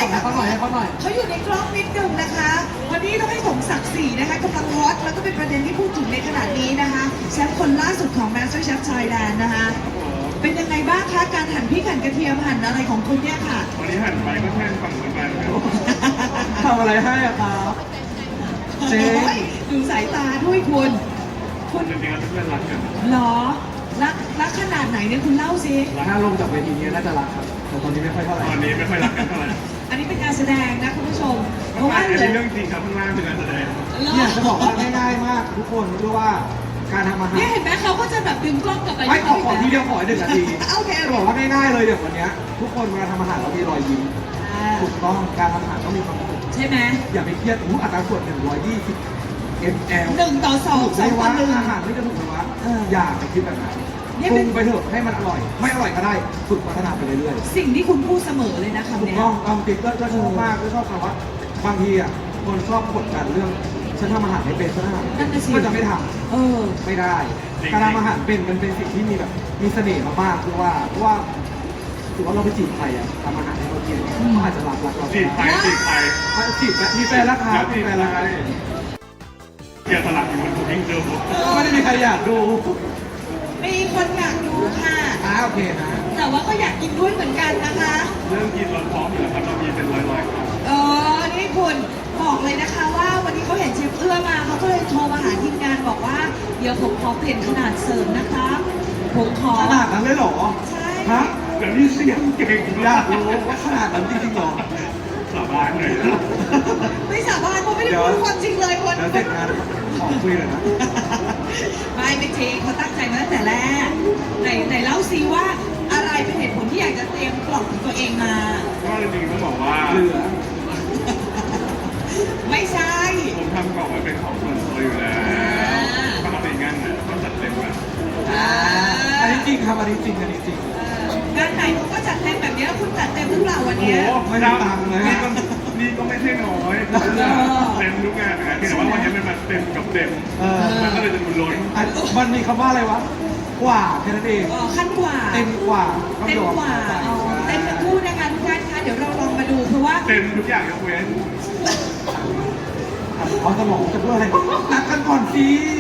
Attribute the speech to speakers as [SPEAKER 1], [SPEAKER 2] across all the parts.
[SPEAKER 1] ส่งให้เขาหน่อยให้เขาหน่อย
[SPEAKER 2] เขาอยู่ในกล้องนิดนึงนะคะ วันนี้ต้องให้สมศักดิ์ศรีนะคะกำลังฮอตแล้วก็เป็นประเด็นที่พูดถึงในขณะนี้นะคะแชมป์คนล่าสุดของ Master Chef Thailand นะคะ เป็นยังไงบ้างคะการหั่นพริกหั่นกระเทียมหั่นอะไรของคุณเนี่ยค่ะ
[SPEAKER 3] วันนี้หันไปก็แค่ฝั่งเหมือนกันครับ
[SPEAKER 1] ทำอะไรให้อะครับเจ๊
[SPEAKER 2] โอ้ยดูสายตาด้วยคุณ
[SPEAKER 3] จริงๆแล้วเพื่อนรักกัน
[SPEAKER 2] เหรอรักขนาดไหนเนี่ยคุณเล่าสิ
[SPEAKER 1] ถ้าลงจากเวทีนี้น่าจะรักครับแต่ตอนนี้ไม่ค่อยเท่าไหร่
[SPEAKER 3] ตอนนี้ไม่ค่อยรักกันเท่าไหร่
[SPEAKER 2] อันนี้เป็นการแสดงนะคุณผู้ชม เพราะว่า
[SPEAKER 3] อัน
[SPEAKER 2] เหลื
[SPEAKER 3] นี้
[SPEAKER 2] อ
[SPEAKER 3] เรื่องจริงครับข้างล่างเป็นการแสดง
[SPEAKER 1] เนี่ยจะบอกว่าง่ายๆมากทุกคนรู้ว่าการทำอาหาร
[SPEAKER 2] เนี่ยเห็นไหมเขาก็จะแบบดึงกล้องกลับไป
[SPEAKER 1] ไม่ขอทีเดียวขอ1 นาที
[SPEAKER 2] โอเค
[SPEAKER 1] จะบอกว่าง่ายๆเลยอย่างวันเนี้ยทุกคนเวลาทำอาหารเรามีรอยยิ้มถูกต้องการทำอาหารต้องมีความสุข
[SPEAKER 2] ใช่ไหม
[SPEAKER 1] อย่าไปเครียดอัตราส่วน120 ml
[SPEAKER 2] 1:2
[SPEAKER 1] ถูกได้ว่า
[SPEAKER 2] 2:1
[SPEAKER 1] อาหารไม่จะถูกเลยวะ
[SPEAKER 2] เออ
[SPEAKER 1] อย่าไปคิดแบบนั้น
[SPEAKER 2] เนี่ย
[SPEAKER 1] ป
[SPEAKER 2] เป็
[SPEAKER 1] รุ
[SPEAKER 2] น
[SPEAKER 1] งไปเถอะให้มันอร่อย ไม่อร่อยก็ได้ฝึกพัฒนาไปเรื่อยๆ
[SPEAKER 2] สิ่งที่คุณพูดเสมอเลยนะ
[SPEAKER 1] ถู
[SPEAKER 2] คำ
[SPEAKER 1] ก
[SPEAKER 2] เนี้ย
[SPEAKER 1] ต้องติ๊กก็ชอบมากก็ชอบแต่ว่าบางทีอ่ะคนชอบกดดันเรื่องฉันทำอาหารไม่เป็นฉันทำอาหารไม่เป็นก็จะไม่ท
[SPEAKER 2] เออ
[SPEAKER 1] ำไม่ได้การทำอาหารเป็นมันเป็นสิ่งที่มีแบบมีเสน่ห์มากๆคือว่าถือว่าเราไปจีบใครอ่ะทำอาหารให้เขากินเขาอาจจะรักเรา
[SPEAKER 3] จีบไปจีบไป
[SPEAKER 1] จีบมีแฟนแล้วครับมีแฟนแล้วครับ
[SPEAKER 3] เกียร์สลักอยู่บนคุกกิ้งเจอร์บุ๊ก
[SPEAKER 1] ไม่ได้มีใครอยากดู
[SPEAKER 2] มีคนอยากดูค่ะ
[SPEAKER 1] โอเคนะ
[SPEAKER 2] แต่ว่าก็อยากกินด้วยเหมือนกันนะคะ
[SPEAKER 3] เรื่องกินเราพร้อมอยู่แล้วครับเรามีเป็นร้อยๆครับ
[SPEAKER 2] นี่คุณบอกเลยนะคะว่าวันนี้เขาเห็นเชฟเอื้อมาเขาก็เลยโทรมาหาทีมงานบอกว่าเดี๋ยวผมขอเปลี่ยนขนาดเสริมนะคะผมขอ
[SPEAKER 1] ขนาดนั้นเลยเหรอ
[SPEAKER 2] ใช่
[SPEAKER 1] ฮะ
[SPEAKER 3] แต่นี่เสียงเก่ง
[SPEAKER 1] อยากรู้ว่าขนาดนั้นจริงๆเหรอ
[SPEAKER 3] สาบานเลยนะ
[SPEAKER 2] ไม่สาบานเพราะไม่ได้พูดความจริงเลยคน
[SPEAKER 1] แล้วเสร็จงานขอคุยเลยนะ
[SPEAKER 2] ไม่จริงเขาตั้งใจมาตั้งแต่แรกไหนเล่าซิว่าอะไรเป็นเหตุผลที่อยากจะเตรียมกล่องของตัวเองมา
[SPEAKER 3] ก็จริงๆต้องบอกว่า
[SPEAKER 1] เหลือ
[SPEAKER 2] ไม่ใช่
[SPEAKER 3] ผมทำกล่องไว้เป็นของส่วนตัวอยู่แล้วปกติงานเนี่ยต้องจัดเต็มแบบ
[SPEAKER 1] อันนี้จริงครับอันนี้จริงอันนี้จริง
[SPEAKER 2] งานไหนเขาก็จัดเต็มแบบนี้แล้วคุณจัดเต็มหรือเปล่าวัน
[SPEAKER 3] โอ้
[SPEAKER 2] เนี้ย
[SPEAKER 3] โห
[SPEAKER 1] ไม่ได้ตังค์นะ
[SPEAKER 3] นี่ก็ไม่ใช่น้อยเต็มทุกงานนะแต่ว่าวันนี้มันมาเต็มกับเต็ม มันก็เลยจะดูล้น
[SPEAKER 1] มันมีคำว่าอะไรวะ กว่าแค่นั้นเอง
[SPEAKER 2] ขั้นกว่า
[SPEAKER 1] เต็มกว่า
[SPEAKER 2] เต็มกว่าเต็มทั้งคู่นะคะทุกท่านคะเดี๋ยวเราลองมาดูเพราะว่า
[SPEAKER 3] เต็มทุกอย่างยกเว้น
[SPEAKER 1] เอาสมองจะเพื่ออะไรนัดกันก่อนสิ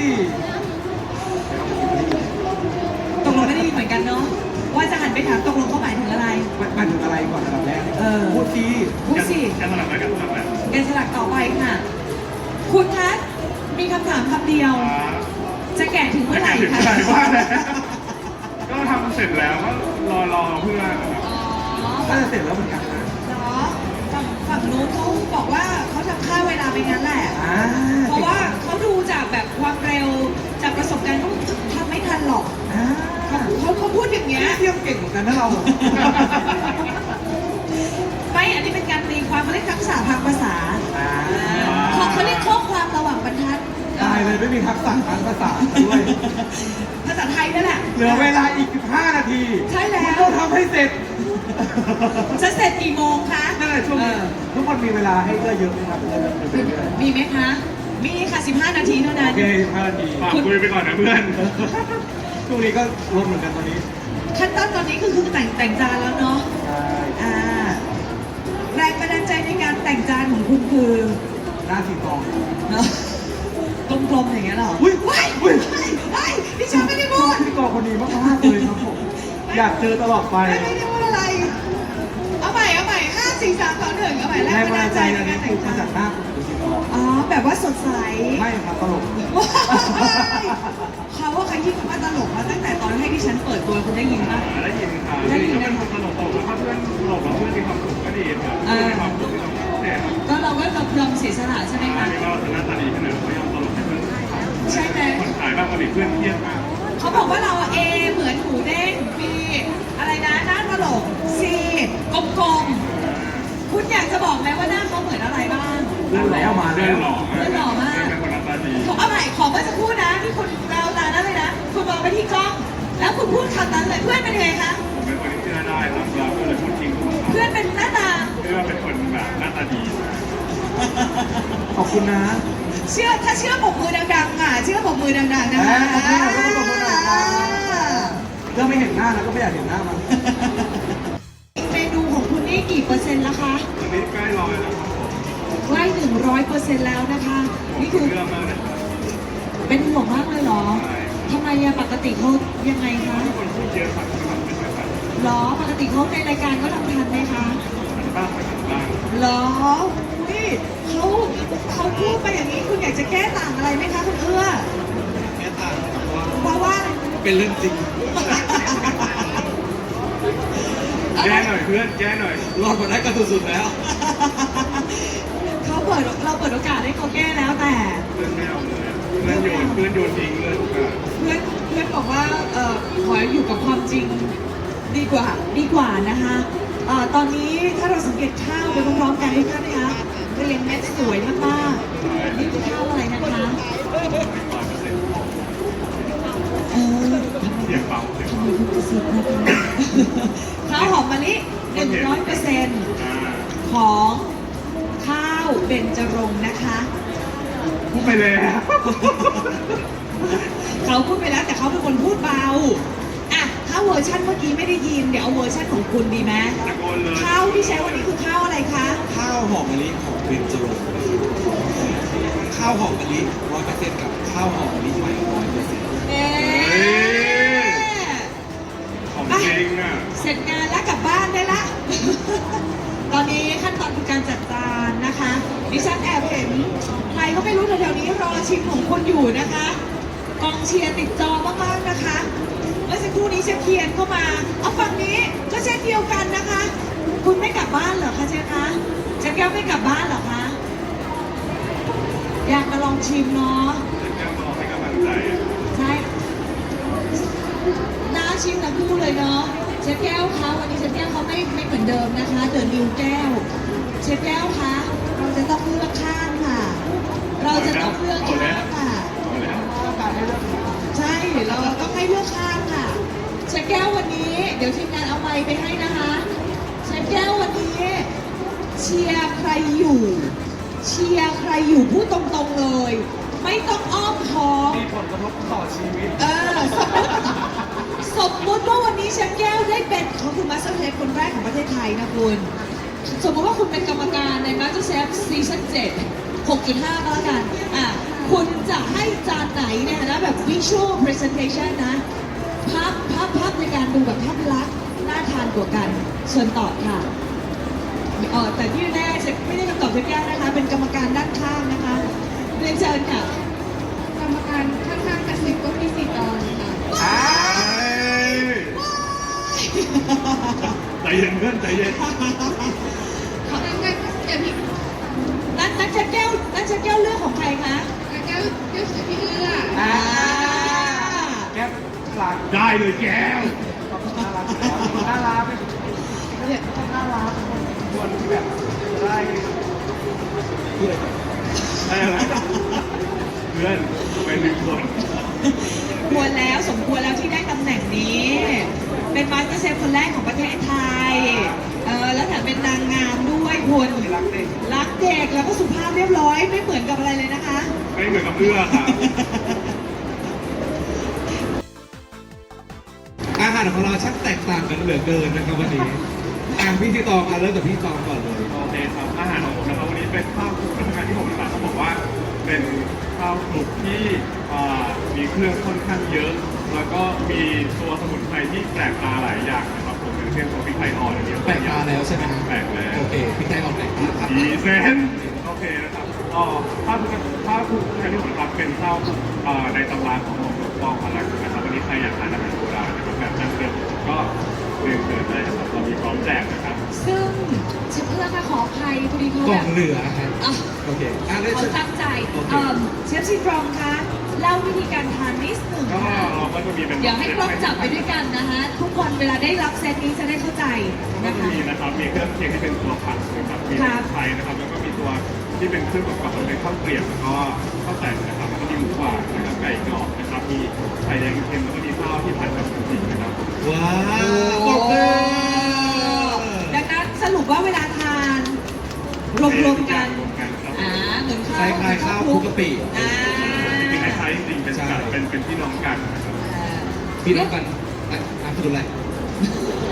[SPEAKER 2] ตกลงไม่ได้ยินเหมือนกันเนาะว่าจะหันไปถามตกลงเขาหมายถึงอะไร
[SPEAKER 1] มันถึงอะไรก่อนอันดับแรกพูดสิ
[SPEAKER 2] พูดสิ
[SPEAKER 3] จะสลับไปกันสลับแบบ
[SPEAKER 2] แกนสลักต่อไปค่ะ คุณคะมีคำถามคำเดียว จะแก่ถึงเมื่อไหร่
[SPEAKER 3] ถึง
[SPEAKER 2] คะ
[SPEAKER 3] ไหนว่าแล้วก็ทำเสร็จแล้วก็รอเพื่อน
[SPEAKER 1] ก็จะเสร็จแล้วเหมือนกันนะ
[SPEAKER 2] เนาะฝั่งนู้นเขาบอกว่าเขาทำค่าเวลาไปงั้นแหละ
[SPEAKER 1] อ่า
[SPEAKER 2] เพราะว่าเขาดูจากแบบความเร็วจากประสบการณ์เขาทำไม่ทันหรอกเขาพูดอย่างเงี้ย
[SPEAKER 1] เทียบเก่งเหมือนกันนะเรา
[SPEAKER 2] ไม่อันนี้เป็นการตีความเขาเรียกทักษะทางภาษาเขาเรียกข้อความระหว่างบรรทัด
[SPEAKER 1] ตายเลยไม่มีทักษะทางภาษาด้วย
[SPEAKER 2] ภาษาไทยนั่นแหละ
[SPEAKER 1] เหลือเวลาอีก15 นาที
[SPEAKER 2] ใช่แล้ว
[SPEAKER 1] ต้องทำให้เสร็จ
[SPEAKER 2] จะเสร็จกี่โมงคะ
[SPEAKER 1] นั่นแหละช่วงนี้ทุกคนมีเวลาให้เยอะเยอะไหมครับเรื่อยๆ
[SPEAKER 2] มีไหมคะ มีค่ะ 15 นาทีเท่านั้น
[SPEAKER 1] โอเค15 นาที
[SPEAKER 3] ฝากคุยไปก่อนนะเพื่อน
[SPEAKER 1] ช่วงนี้ก็ลดเหมือนกันตอนนี้
[SPEAKER 2] ขั้นตอนตอนนี้คือแต่งจานแล้วเนาะ
[SPEAKER 1] ใช่
[SPEAKER 2] แรงบันดาลใจในการแต่งจานของคุณคือ
[SPEAKER 1] หน้าสีทอง
[SPEAKER 2] เนอะกลมๆอย่างเงี้ยเหรอ
[SPEAKER 1] อุ้ย
[SPEAKER 2] ว้าย
[SPEAKER 1] อุ้ย
[SPEAKER 2] ว้ายพี่ชอบไม่ได้พูด
[SPEAKER 1] พิธีกรคนนี้มากๆเลยครับผม อยากเจอตลอดไป
[SPEAKER 2] ไม่ได้พูดอะไร เอาใหม่5 4 3 2 1เอาใหม่แร
[SPEAKER 1] แรง
[SPEAKER 2] ง
[SPEAKER 1] บั
[SPEAKER 2] บั
[SPEAKER 1] น
[SPEAKER 2] น
[SPEAKER 1] ดา
[SPEAKER 2] ดา
[SPEAKER 1] ล
[SPEAKER 2] ล
[SPEAKER 1] ใจ
[SPEAKER 2] ใจใน
[SPEAKER 1] อัน
[SPEAKER 2] กา
[SPEAKER 1] นี้
[SPEAKER 2] รแต่
[SPEAKER 1] คื
[SPEAKER 2] ง
[SPEAKER 1] อมา
[SPEAKER 2] จา
[SPEAKER 1] จาน กหน้าคุณพิธีกร
[SPEAKER 2] อ๋อ แบบว่าสดใส
[SPEAKER 1] ไม่ครับตลก
[SPEAKER 2] ว้ายเขาว่าใครที่คำว่าตลกมาตั้งแต่ตอนให้ดิฉันเปิดตัวคุณได้ยินป่ะ
[SPEAKER 3] ได้ยินค่ะก็เป็นคนตลกแล้วถ้าเพื่อนตลกแล้วเพื่อนมีความสุขก็ดีครับมีความสุขที่เราเนี่ยครับ
[SPEAKER 2] ก็เราก็ยอมเสียสละใช่ไหมคะ
[SPEAKER 3] นี่ว่าเราจะหน้าตาดีขนาดเรายอมตลกให้เพื่อน
[SPEAKER 2] ใช่ไหม
[SPEAKER 3] คนขายบ้างปกติเพื่อนเครียดมาก
[SPEAKER 2] เขาบอกว่าเราเอเหมือนหมูเด้งบีอะไรนะหน้าตลกซีกลมๆคุณอยากจะบอกไหมว่าหน้าเขาเหมือนอะไรบ้าง
[SPEAKER 1] เรื่องแล้วมา
[SPEAKER 3] เพื่
[SPEAKER 1] แล้
[SPEAKER 3] อน
[SPEAKER 1] ว
[SPEAKER 3] หล่อมากเป็นคนหน้าตาดี
[SPEAKER 2] เอาใหม่ขอเมื่อสักครู่นะที่คุณเราตานั้นเลยนะคุณมองไปที่กล้อง แล้วคุณพูดคำนั้นเลยเพื่อนเป็นยังไงคะ
[SPEAKER 3] ผมเป็นคนที่เชื่อได้ครับเราก็เลยพูดจริงทุกคน
[SPEAKER 2] เพื่อนเป็นหน้าตา
[SPEAKER 3] เชื่อว่าเป็นคนแบบหน้าตาดี
[SPEAKER 1] ขอบคุณนะ
[SPEAKER 2] ถ้าเชื่อปกมือดังๆค่ะเชื่อปกมือดังๆนะคะ
[SPEAKER 1] เรื่องไม่เห็นหน้าแล้วก็ไม่อยากเห็นหน้ามัน
[SPEAKER 2] เมนูของคุณนี่กี่เปอร์เซ็นต์ละคะ
[SPEAKER 3] วันนี้ใกล้ร้อยแล้วครับผม
[SPEAKER 2] ใกล้100%แล้วนะคะ นี่คือ
[SPEAKER 3] เรื่องมากเลยครับ
[SPEAKER 2] เป็นห่วงมากเลยเหรอ
[SPEAKER 3] ใช่
[SPEAKER 2] ทำไมอะปกติเขายังไงคะ
[SPEAKER 3] ทุกคนพูดเยอะครับที่แบบไม่ค่อยทัน
[SPEAKER 2] เหรอปกติเขาในรายการเขาทำทันไหมคะ
[SPEAKER 3] ทันบ้างไม่ทันบ้าง
[SPEAKER 2] เหรอนี่เขาพูดไปอย่างนี้คุณอยากจะแก้ต่างอะไรไหมคะคุณเอื้อ
[SPEAKER 4] แค่ต่างกับว่า
[SPEAKER 2] เพราะว่า
[SPEAKER 4] เป็นเรื่องจริง
[SPEAKER 3] แก้หน่อยเพื่อนแก้หน่อย
[SPEAKER 4] รอดมาได้กันสุดๆแล้ว
[SPEAKER 2] เราเปิดโอกาสให้เขาแก้แล้วแต่
[SPEAKER 3] เพื่อนไม่เอาเลยเพื่อนโยนทิ้งเลยทุกอย่าง
[SPEAKER 2] เพื่อนบอกว่าขออยู่กับความจริงดีกว่านะคะตอนนี้ถ้าเราสังเกตข้าวไปพร้อมๆกันให้ท่านนะคะเรียงเม็ดสวยมากๆนี่คือข้าวอะไรนะคะ เออ
[SPEAKER 3] เสียงเบาเสียง
[SPEAKER 2] ทำ
[SPEAKER 3] เบา
[SPEAKER 2] ไมทุกกระซิบนะคะข้าวหอมมะลิ 100% ของข้าวเบญจรงค์นะคะ
[SPEAKER 3] พูดไปแล้ว
[SPEAKER 2] เขาพูดไปแล้วแต่เขาเป็นคนพูดเบาอ่ะถ้าเวอร์ชันเมื่อกี้ไม่ได้ยินเดี๋ยวเอาเวอร์ชันของคุณดีไหม
[SPEAKER 3] ตะโกนเลย
[SPEAKER 2] ข้าวที่ใช้วันนี้คือข้าวอะไรคะ
[SPEAKER 4] ข้าวหอมมะลิของเบญจรงค์ข้าวหอมมะลิ100%กับข้าวหอมมะลิใหม่100%
[SPEAKER 2] เอ๊ะ
[SPEAKER 3] ของจริงอ่ะ
[SPEAKER 2] เสร็จงานแล้วกลับบ้านได้ละ ตอนนี้ขั้นตอนคือการจัดจานนะคะ ดิฉันแอบเห็นใครก็ไม่รู้แถวๆนี้รอชิมของคนอยู่นะคะ กองเชียร์ติดจอมากๆนะคะ เมื่อสักครู่นี้เชฟเคียนเข้ามา เอาฝั่งนี้ก็เช่นเดียวกันนะคะ คุณไม่กลับบ้านเหรอคะเชฟคะเชฟแก้วไม่กลับบ้านเหรอคะ อยากมาลองชิมเนาะ
[SPEAKER 3] แก้วมาให้กำลังใจอ่ะ
[SPEAKER 2] ใช่น่าชิมทั้งคู่เลยเนาะ เชฟแก้วคะวันนี้เชฟแก้วเขาไม่เหมือนเดิมนะคะ เดินนิวแก้ว เชฟแก้วคะเราจะต้องเลือกข้างค่ะ เราจะต้องเลือกข้างค่ะ
[SPEAKER 3] เอาแล้ว
[SPEAKER 2] ใช่เราต้องให้เลือกข้างค่ะเชฟแก้ววันนี้ เดี๋ยวทีมงานเอาไมค์ไปให้นะคะเชฟแก้ววันนี้ เชียร์ใครอยู่ เชียร์ใครอยู่พูดตรงๆเลย ไม่ต้องอ้อมค้อม
[SPEAKER 1] มีผลกระทบต่อชีวิต
[SPEAKER 2] สมมติว่าวันนี้เชฟแก้วได้เป็นเขาคือมาสเตอร์เชฟคนแรกของประเทศไทยนะคุณ สมมติว่าคุณเป็นกรรมการในมาสเตอร์เชฟซีซั่น7 6.5 ก็แล้วกัน คุณจะให้จานไหนเนี่ยนะแบบ visual presentation นะ ภาพในการดูแบบภาพลักษณ์น่าทานกว่ากัน เชิญตอบค่ะ แต่ที่แน่เชฟไม่ได้คำตอบเชฟแก้วนะคะ เป็นกรรมการด้านข้างนะคะเรียนเชิญค่ะ
[SPEAKER 5] กรรมการข้างๆกระซิบก็มีสิทธิ์ตอนค่ะ
[SPEAKER 3] ใจเย็นเพื่อนใจเย็น
[SPEAKER 5] งั้นอย่าพี่
[SPEAKER 2] นั่นเชฟแก้วเลือกของใครคะ
[SPEAKER 5] งั้นก็เดี๋ยวพี่เอื้อ
[SPEAKER 1] แก้หลัก
[SPEAKER 3] ได้เลยแก้ว
[SPEAKER 1] น่ารักน่ารักเนี่ยน่ารักคนที่แบบได้
[SPEAKER 3] ได้อะไรเพื่อนเป็นหนึ่งคน
[SPEAKER 2] ควรแล้วสมควรแล้วที่ได้ตำแหน่งนี้ เป็นมาสเตอร์เชฟคนแรกของประเทศไทย แล้วแถมเป็นนางงามด้วยคุณ
[SPEAKER 1] รักเด็ก
[SPEAKER 2] รักเด็กแล้วก็สุภาพเรียบร้อยไม่เหมือนกับอะไรเลยนะคะ
[SPEAKER 3] ไม่เหมือนกับเอื้อค่ะ
[SPEAKER 4] อาหารของเราช่างแตกต่างกันเหลือเกินนะครับวันนี้พี่ที่ตองเริ่มจากพี่ตองก่อนเลย
[SPEAKER 3] โอเคครับอาหารของผมนะครับวันนี้เป็นข้าวคลุกนะครับที่ผมสั่งเขาบอกว่าเป็นข้าวคลุกที่มีเครื่องค่อนข้างเยอะ แล้วก็มีตัวสมุนไพรที่แปลกตาหลายอย่างนะครับผมอย่างเช่นตัวพริกไทยอ่อนอันนี้
[SPEAKER 4] แปลกตาแล้วใช่ไหมครับ
[SPEAKER 3] แปลกแล้ว
[SPEAKER 4] โอเคพี่ไทยออกแปลกตาครับ
[SPEAKER 3] ดีเซนโอเคนะครับข้าวคลุกที่ผมทำเป็นข้าวคลุกในตำราของหลวงพ่อพลักษณ์นะครับวันนี้ใครอยากทานอาหารโบราณนะครับแบบดั้งเดิมก็เรียนเชิญได้นะครับเรามีพร้อมแจกนะครับ
[SPEAKER 2] ซึ่งเชฟเพื่อนค่ะขออภัยพอดีเขา
[SPEAKER 4] กล่
[SPEAKER 2] แบ
[SPEAKER 4] อง
[SPEAKER 2] บ
[SPEAKER 4] เหลือครับ
[SPEAKER 2] อ่ะ
[SPEAKER 4] โอเคเริ่ม
[SPEAKER 2] เขาตั้งใจเชฟซีตรองคะเล่าวิธีการทานนิดหนึ่ง
[SPEAKER 3] ก็
[SPEAKER 2] ค่ะ
[SPEAKER 3] เราก็จะมีเป็น
[SPEAKER 2] เดี๋ยวให้กล้องจับไปด้วยกันนะคะ ทุกคนเวลาได้รับเซตนี้จะได้เข้าใจ
[SPEAKER 3] ก็
[SPEAKER 2] นะ
[SPEAKER 3] จะ
[SPEAKER 2] คะ
[SPEAKER 3] มีนะครับมีเครื่องเคียงที่เป็นตัวผัดนะครับมี
[SPEAKER 2] ครับ
[SPEAKER 3] ไทยนะครับแล้วก็มีตัวที่เป็นเครื่องประกอบเป็นข้าวเกรียบแล้วก็ข้าวแต่นนะครับแล้วก็มีหมูหวานนะครับไก่กรอบนะครับมีไข่แดงเค็มแล้วก็มีข้าวที่ผัดกับหมูสิงนะครับ
[SPEAKER 4] ว้าวปรบมือ
[SPEAKER 2] ดังนั้นสรุปว่าเวลาทานรวมๆกัน
[SPEAKER 3] รวมกันครับ
[SPEAKER 2] เหมือน
[SPEAKER 4] ค
[SPEAKER 2] ข้าว
[SPEAKER 4] ล้ายๆข้าวคลุกกะปิ
[SPEAKER 2] อ่า
[SPEAKER 3] จริงๆคล้ายๆจริงๆเป็นกันเป็นพี่น้องกันนะครับ
[SPEAKER 4] พี่น้องกันน้ำสกุลอะไร
[SPEAKER 2] ส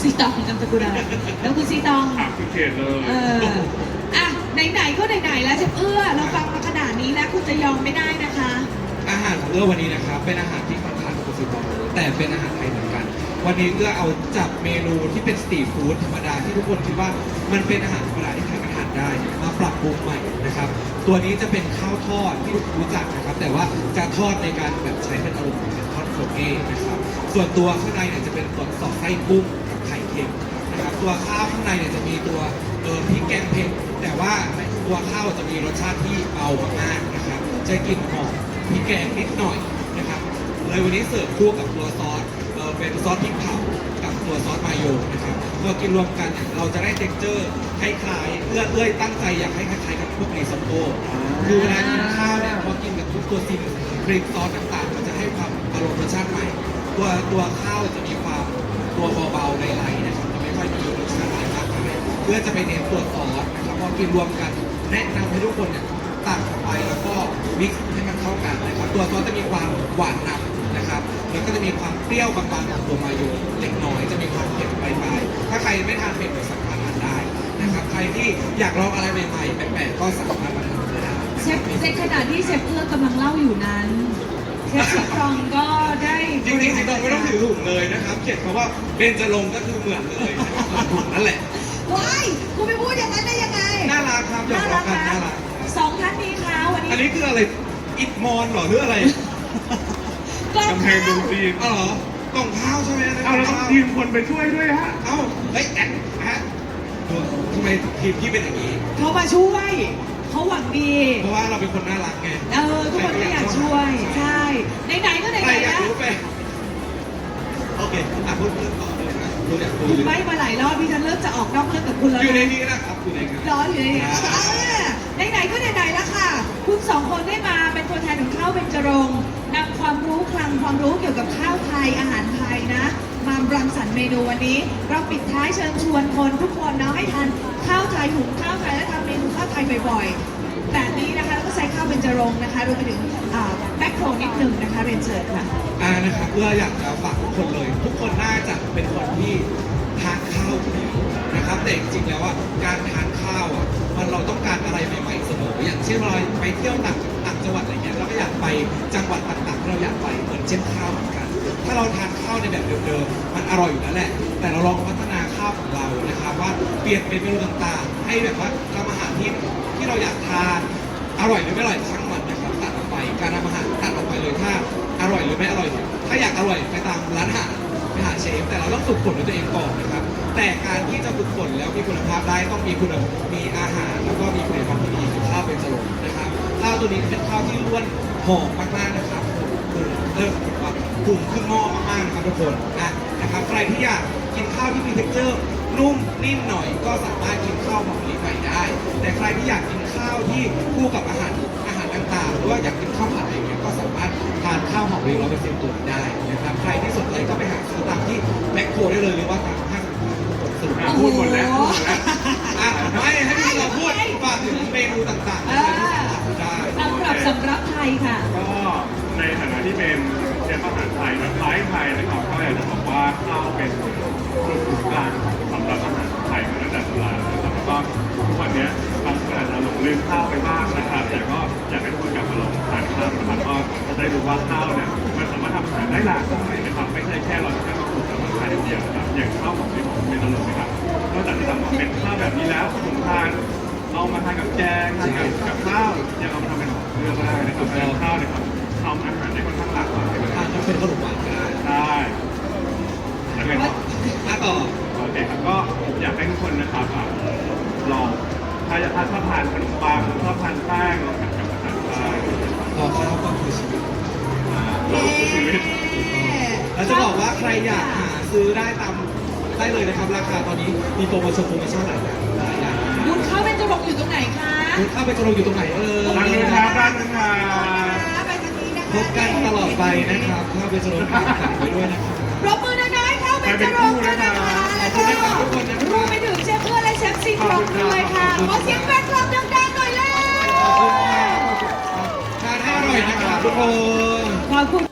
[SPEAKER 2] ซีตองนามสกุลอะไรแล้วคุณซีตอง
[SPEAKER 3] ถามคือเขตเลย
[SPEAKER 2] อ่ะไหนๆก็ไหนๆแล้วเชฟเอื้อเราฟังมาขนาดนี้แล้วคุณจะยอมไม่ได้นะคะ
[SPEAKER 4] อาหารของเอื้อวันนี้นะครับเป็นอาหารที่ค่อนข้างโปรตีนแต่เป็นอาหารไทยเหมือนกัน วันนี้เอื้อเอาจับเมนูที่เป็นสตรีทฟู้ดธรรมดาที่ทุกคนคิดว่ามันเป็นอาหารธรรมดาที่ใครก็ทานได้มาปรับปรุงใหม่นะครับตัวนี้จะเป็นข้าวทอดที่รู้จักนะครับแต่ว่าจะทอดในการแบบใช้เป็นอารมณ์เป็นทอดโคเก้นะครับส่วนตัวข้างในเนี่ยจะเป็นตัวสอดไส้กุ้งกับไข่เค็มนะครับตัวข้าวข้างในเนี่ยจะมีตัวพริกแกงเผ็ดแต่ว่าตัวข้าวจะมีรสชาติที่เบามากๆนะครับจะกลิ่นหอมพริกแกงนิดหน่อยนะครับเลยวันนี้เสิร์ฟคู่กับตัวซอสเป็นซอสพริกเผากับตัวซอสมายองนะครับเมื่อกินรวมกันเนี่ยเราจะได้เท็กเจอร์คล้ายๆเอื้อยตั้งใจอยากให้คล้ายๆกับพวกรีซอตโต้คือเวลากินข้าวเนี่ยพอกินกับทุกตัวซีนครีมซอสต่างๆมันจะให้ความอารมณ์รสชาติใหม่ตัวข้าวจะมีความตัวเบาๆในไลท์นะครับจะไม่ค่อยมีรสชาติอะไรมากมายเพื่อจะไปเน้นตัวซอสนะครับพอกินรวมกันแนะนำให้ทุกคนเนี่ยตักออกไปแล้วก็มิกซ์ให้มันเข้ากันนะครับตัวซอสจะมีความหวานนำนะครับแล้วก็จะมีความเปรี้ยวบางๆของตัวมายองเล็กน้อยจะมีความเผ็ดปลายๆถ้าใครไม่ทานเผ็ดก็สามารถทานได้นะครับใครที่อยากลองอะไรใหม่ๆแปลกๆก็สามารถมาทำได้
[SPEAKER 2] เชฟในขณะที่เชฟเอื้อกำลังเล่าอยู่นั้นเชฟซีตองก็ได้
[SPEAKER 4] จริงๆสิต้องไม่ต้องถือถุงเลยนะครับเขียนคำว่าเบญจรงค์ก็คือเหมือนเลยนะครับถุงนั่นแหละ
[SPEAKER 2] ว้ายคุณไปพูดอย่างนั้นได้ยังไง
[SPEAKER 4] น่ารักครับหยอกล้อกันน่ารัก
[SPEAKER 2] สองท่านนี้คะวันนี้
[SPEAKER 4] อันนี้คืออะไรอิฐมอนเหรอหรืออะไร
[SPEAKER 3] กำแพงเมืองจีน
[SPEAKER 4] อ๋อเหรอกล่องข้าวใช่ไหม
[SPEAKER 3] เอาแล้วต้องทีมคนไปช่วยด้วยฮะ
[SPEAKER 4] เอ้าเฮ้ยแอนฮะดูทำไมทีมพี่เป็นอย่างนี้
[SPEAKER 2] เขามาช่วยเขาหวังดี
[SPEAKER 4] เพราะว่าเราเป็นคนน่ารักไง
[SPEAKER 2] ทุกคนก็อยากช่วย ใช่ไหนๆก็ไหน
[SPEAKER 4] ใคร
[SPEAKER 2] ๆ
[SPEAKER 4] อยาก
[SPEAKER 2] นะ
[SPEAKER 4] รู้ไปโอเคพูดต่อเลยนะดูอยากรู้
[SPEAKER 2] คุณใบ้มาหลายรอบพี่ฉันเริ่มจะออกนอกเรื่องกับคุณแล้ว
[SPEAKER 4] อยู่ใน
[SPEAKER 2] นะ
[SPEAKER 4] นี้นะครับอยู่ในนี้
[SPEAKER 2] ร้อนอยู่ในนี้ไหนๆก็ไหนๆแล้วค่ะ คุณสองคนได้มาเป็นตัวแทนของข้าวเบญจรงค์นำความรู้คลังความรู้เกี่ยวกับข้าวไทยอาหารไทยนะมารังสรรค์เมนูวันนี้ เราปิดท้ายเชิญชวนคนทุกคนเนาะให้ทานข้าวไทยหุงข้าวไทยและทำเมนูข้าวไทยบ่อยๆแบบนี้นะคะแล้วก็ใช้ข้าวเบญจรงค์นะคะรวมไปถึงแบ็คโครนิดนึงนะคะเรียนเชิญค่ะ
[SPEAKER 4] นะครับเพื่ออยากจะฝากทุกคนเลย ทุกคนน่าจะเป็นคนที่ทานข้าวอยู่แล้วนะครับแต่จริงๆแล้วอ่ะการทานข้าวอ่ะมันเราต้องการอะไรใหม่ๆเสมออย่างเช่นเราไปเที่ยวต่างจังหวัดอะไรเงี้ยเราก็อยากไปจังหวัดต่างๆที่เราอยากไปเหมือนเช่นข้าวเหมือนกัน ถ้าเราทานข้าวในแบบเดิมๆมันอร่อยอยู่แล้วแหละ แต่เราลองพัฒนาข้าวของเรานะครับว่าเปลี่ยนเป็นเมนูต่างๆ ให้แบบว่าทำอาหารที่เราอยากทานอร่อยหรือไม่อร่อยช่างมันนะครับตัดออกไปการทำอาหารตัดออกไปเลยถ้าอร่อยหรือไม่อร่อยถ้าอยากอร่อยไปตามร้านอาหารไปหาเชฟแต่เราต้องฝึกฝนด้วยตัวเองก่อนนะครับแต่การที่จะฝึกฝนแล้วมีคุณภาพได้ต้องมีอาหารแล้วก็มีคุณภาพที่ดีคือข้าวเป็นจรกนะครับข้าวตัวนี้เป็นข้าวที่ล้วนหอมมากๆนะครับปรุงขึ้นหม้อมากๆนะครับทุกคนนะครับใครที่อยากกินข้าวที่มีเท็กเจอร์นุ่มนิ่มหน่อยก็สามารถกินข้าวหอมมะลิไปได้ แต่ใครที่อยากกินข้าวที่คู่กับอาหารต่างๆหรือว่าอยากกินข้าวผัดอะไรเงี้ยก็สามารถทานข้าวหอมมะลิ100%ตัวได้นะครับใครที่สนใจก็ไปหาซื้อตามที่แมคโครได้เลยหรือว่าตามห้างสรุป
[SPEAKER 3] พูดหมดแล้วพูดหมดแล้ว
[SPEAKER 4] ไม่ให้พี่เราพูดฝากถึงเมนูต่างๆที่สามารถทำได้
[SPEAKER 2] สำหรับไทยค่ะ
[SPEAKER 3] ก็ในฐานะที่เป็นเชฟอาหารไทยแบบไทยนะครับก็อยากจะบอกว่าข้าวเป็นศูนย์กลางสำหรับอาหารไทยมาตั้งแต่โบราณนะครับแล้วก็ทุกวันนี้บางคนอาจจะหลงลืมข้าวไปบ้างนะครับแต่ก็อยากให้ทุกคนกลับมาลองทานข้าวนะครับก็จะได้รู้ว่าข้าวเนี่ยมันสามารถทำอาหารได้หลากหลายนะครับไม่ใช่แค่เราจะแค่มาปลูกกับอาหารอย่างเดียวนะครับอย่างข้าวของที่ผมเป็นตลกนะครับนอกจากที่ทำเป็นข้าวแบบนี้แล้วผมทานเอามาทานกับแกงทานกับข้าวยังเอามาทำเป็นเรือก็ได้นะครับเป็นข้าวเนี่ยครับทำอาหารได้ค่อนข้างหลากหลายเลย
[SPEAKER 4] ทานจะเป็นขนมหวานก็ได้
[SPEAKER 3] ใช่แล้วไงต่อ
[SPEAKER 4] ต่อ
[SPEAKER 3] โอเคครับก็อยากให้ทุกคนนะครับลองถ้าชอบทานขนมปังชอบทานแป้งลองทำกับอาหารได้
[SPEAKER 4] ต่อข้าวก็คือชีวิต
[SPEAKER 3] เราคือชีวิต
[SPEAKER 4] เราจะบอกว่าใครอยากหาซื้อได้ได้เลยนะครับราคาตอนนี้มีโปรโมชั่นหลายอย่าง
[SPEAKER 2] บุญข้าวเบญจรงค์อยู่ตรงไหนคะ
[SPEAKER 4] คุณเข้าไปจะลงอยู่ตรงไหน
[SPEAKER 3] ร้านนู้นครับร้านนู้นครับ
[SPEAKER 2] ไปทางนี้นะคะ
[SPEAKER 4] พบกันตลอดไปนะครับเข้าไปจะลงฝากไว้ด้วยนะครับ
[SPEAKER 2] ปรบมือน้อยๆข้าวเบญจรงค์ด้วยนะคะแล้วก็รวมไปถึงเชฟเพื่อนและเชฟซีตรงด้วยค่ะขอเสียงแฟนคลับดังๆหน่อยแล้ว
[SPEAKER 4] ทานให้อร่อยนะครับทุกคน
[SPEAKER 2] ขอบคุณ